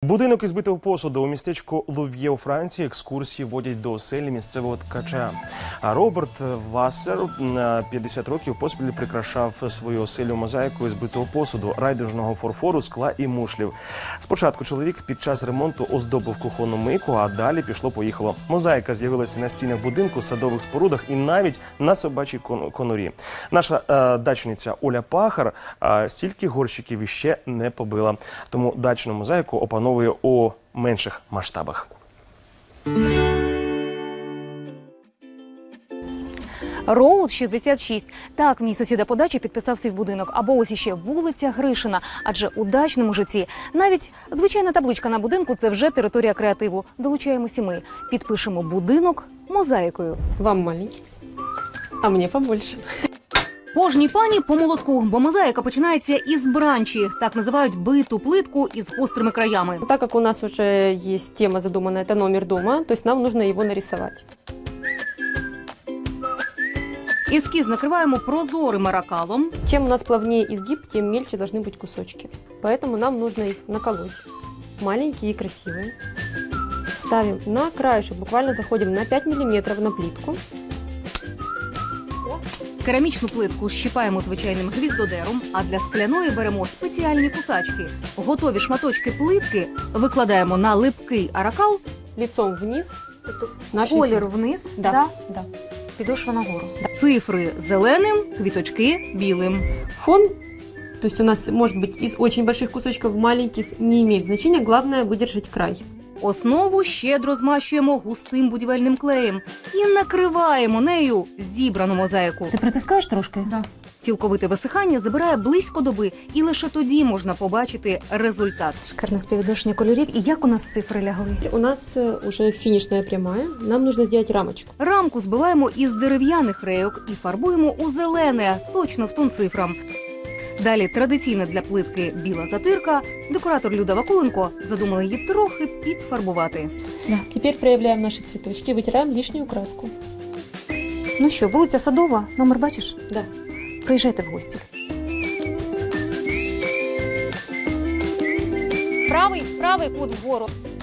Будинок із битого посуду у містечку Лув'є у Франції екскурсії водять до оселі місцевого ткача. А Роберт Вассер на 50 років поспіль прикрашав свою оселю мозаїкою з битого посуду, райдужного фарфору, скла і мушлів. Спочатку чоловік під час ремонту оздобив кухонну мийку, а далі пішло-поїхало. Мозаїка з'явилася на стінах будинку, садових спорудах і навіть на собачій конурі. Наша дачниця Оля Пахар стільки горщиків іще не побила. Тому дачну мозаїку опановує у менших масштабах. Роуд 66. Так, мій сусіда по дачі підписав свій будинок. Або ось іще вулиця Гришина. Адже у дачному житті навіть звичайна табличка на будинку – це вже територія креативу. Долучаємося ми. Підпишемо будинок мозаїкою. Вам маленький, а мені побольше. Кожній пані по молотку, бо мозаїка починається із бранчі. Так називають биту плитку із гострими краями. Так как у нас уже есть тема задумана, это номер дома, то есть нам нужно его нарисовать. Ескіз накриваємо прозорим аракалом. Чем у нас плавнее изгиб, тем мельче должны быть кусочки. Поэтому нам нужно их наколоть. Маленькие и красивые. Ставим на краешек, буквально заходим на 5 мм на плитку. Керамічну плитку щіпаємо звичайним гвіздодером, а для скляної беремо спеціальні кусачки. Готові шматочки плитки викладаємо на липкий аракал. Лицом вниз. Колір вниз, Да. підошва нагору. Цифри зеленим, квіточки білим. Фон, то есть у нас может быть из очень больших кусочков, маленьких, не имеет значения, главное выдержать край. Основу щедро змащуємо густим будівельним клеєм і накриваємо нею зібрану мозаїку. Ти притискаєш трошки? Да. Цілковите висихання забирає близько доби, і лише тоді можна побачити результат. Шикарне співвідношення кольорів. І як у нас цифри лягли? У нас уже финишная прямая, нам нужно сделать рамочку. Рамку збиваємо із дерев'яних рейок і фарбуємо у зелене, точно в тон цифрам. Далі традиційна для плитки біла затирка. Декоратор Люда Вакуленко задумала її трохи підфарбувати. Да. Теперь проявляем наши цветочки, вытираем лишнюю краску. Ну що, вулиця Садова, номер бачиш? Да. Приїжджайте в гості. Правий кут вгору.